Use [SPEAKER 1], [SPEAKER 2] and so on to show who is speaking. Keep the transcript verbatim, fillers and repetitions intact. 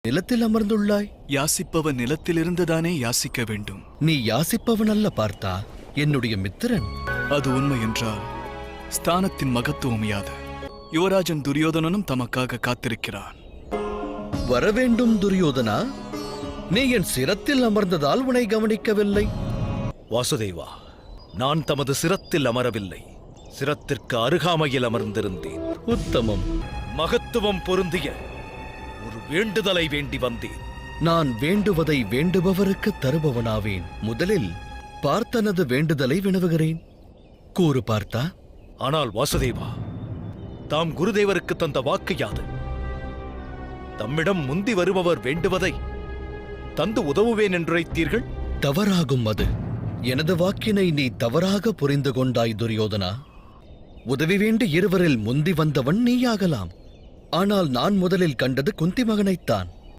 [SPEAKER 1] நிலத்தில் அமர்ந்துள்ளாய்?
[SPEAKER 2] யாசிப்பவன் நிலத்திலிருந்துதானே யாசிக்க வேண்டும்.
[SPEAKER 1] நீ யாசிப்பவன் அல்ல பார்த்தா, என்னுடைய மித்திரன்.
[SPEAKER 2] அது உண்மை என்றால் ஸ்தானத்தின் மகத்துவம் யாது? யுவராஜன் துரியோதனனும் தமக்காக காத்திருக்கிறான்.
[SPEAKER 1] வரவேண்டும் துரியோதனா. நீ என் சிரத்தில் அமர்ந்ததால் உன்னை கவனிக்கவில்லை.
[SPEAKER 3] வாசுதேவா, நான் தமது சிரத்தில் அமரவில்லை, சிரத்திற்கு அருகாமையில் அமர்ந்திருந்தேன்.
[SPEAKER 1] உத்தமம்.
[SPEAKER 3] மகத்துவம் பொருந்திய ஒரு வேண்டுதலை வேண்டி வந்தேன்.
[SPEAKER 1] நான் வேண்டுவதை வேண்டுபவருக்கு தருபவனாவேன். முதலில் பார்த்தனது வேண்டுதலை வினவுகிறேன். கூறு பார்த்தா.
[SPEAKER 3] ஆனால் வாசுதேவா, தாம் குருதேவருக்கு தந்த வாக்கு யாது? தம்மிடம் முந்தி வருபவர் வேண்டுவதை தந்து உதவுவேன் என்றுரைத்தீர்கள்.
[SPEAKER 1] தவறாகும் அது. எனது வாக்கினை நீ தவறாக புரிந்து கொண்டாய் துரியோதனா. உதவி வேண்டி இருவரில் முந்தி வந்தவன் நீயாகலாம். ஆனால் நான் முதலில் கண்டது குந்தி மகனைத்தான்.